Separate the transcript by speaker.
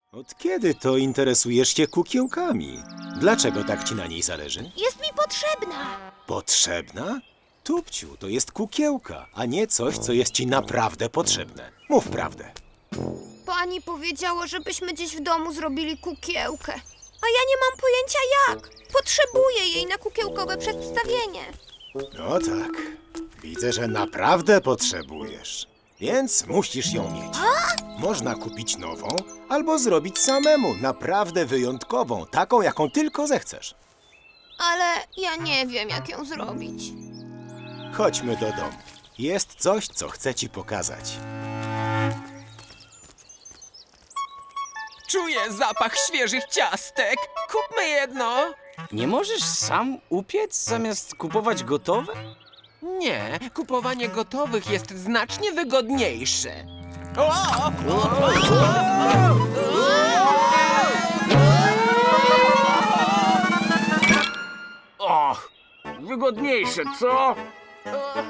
Speaker 1: Od kiedy to interesujesz się kukiełkami? Dlaczego tak ci na niej zależy?
Speaker 2: Jest mi potrzebna.
Speaker 1: Potrzebna? Tupciu, to jest kukiełka, a nie coś, co jest ci naprawdę potrzebne. Mów prawdę.
Speaker 2: Pani powiedziała, żebyśmy dziś w domu zrobili kukiełkę. A ja nie mam pojęcia jak. Potrzebuję jej na kukiełkowe przedstawienie.
Speaker 1: No tak, widzę, że naprawdę potrzebujesz. Więc musisz ją mieć. Można kupić nową, albo zrobić samemu, naprawdę wyjątkową, taką, jaką tylko zechcesz.
Speaker 2: Ale ja nie wiem, jak ją zrobić.
Speaker 1: Chodźmy do domu. Jest coś, co chcę ci pokazać.
Speaker 3: Czuję zapach świeżych ciastek. Kupmy jedno.
Speaker 4: Nie możesz sam upiec zamiast kupować gotowe?
Speaker 3: Nie, kupowanie gotowych jest znacznie wygodniejsze. O!
Speaker 4: Och, wygodniejsze, co?